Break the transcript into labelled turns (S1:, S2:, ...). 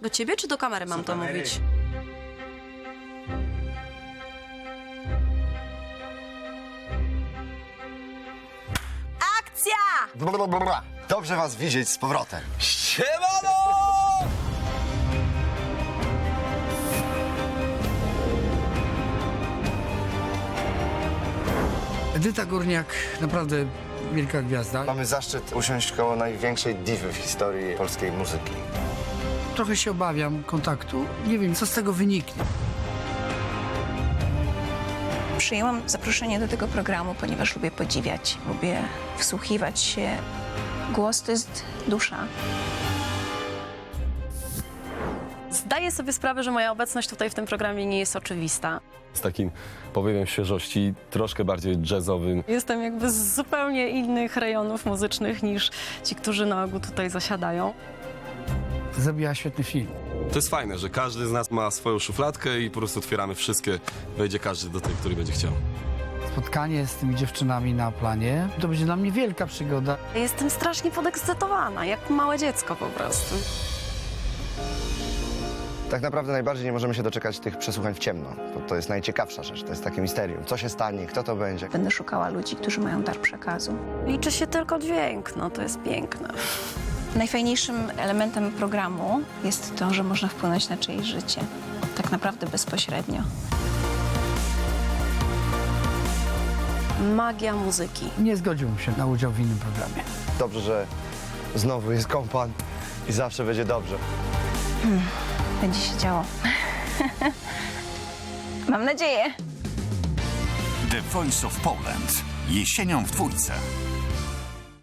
S1: Do ciebie czy do kamery mam to mówić? Akcja!
S2: Blablabla. Dobrze was widzieć z powrotem.
S3: Siemano!
S4: Edyta Górniak, naprawdę wielka gwiazda.
S2: Mamy zaszczyt usiąść koło największej diwy w historii polskiej muzyki.
S4: Trochę się obawiam kontaktu. Nie wiem, co z tego wyniknie.
S5: Przyjęłam zaproszenie do tego programu, ponieważ lubię podziwiać, lubię wsłuchiwać się. Głos to jest dusza.
S1: Zdaję sobie sprawę, że moja obecność tutaj w tym programie nie jest oczywista.
S3: Z takim powiewem świeżości, troszkę bardziej jazzowym.
S1: Jestem jakby z zupełnie innych rejonów muzycznych niż ci, którzy na ogół tutaj zasiadają.
S4: Zrobiła świetny film.
S3: To jest fajne, że każdy z nas ma swoją szufladkę i po prostu otwieramy wszystkie. Wejdzie każdy do tej, który będzie chciał.
S4: Spotkanie z tymi dziewczynami na planie to będzie dla mnie wielka przygoda.
S1: Jestem strasznie podekscytowana, jak małe dziecko po prostu.
S2: Tak naprawdę najbardziej nie możemy się doczekać tych przesłuchań w ciemno. To jest najciekawsza rzecz, to jest takie misterium. Co się stanie, kto to będzie.
S5: Będę szukała ludzi, którzy mają dar przekazu.
S1: Liczy się tylko dźwięk, no to jest piękne.
S5: Najfajniejszym elementem programu jest to, że można wpłynąć na czyjeś życie. Tak naprawdę bezpośrednio.
S1: Magia muzyki.
S4: Nie zgodziłbym się na udział w innym programie.
S2: Dobrze, że znowu jest kompan i zawsze będzie dobrze.
S5: Będzie się działo. Mam nadzieję.
S6: The Voice of Poland. Jesienią w Dwójce.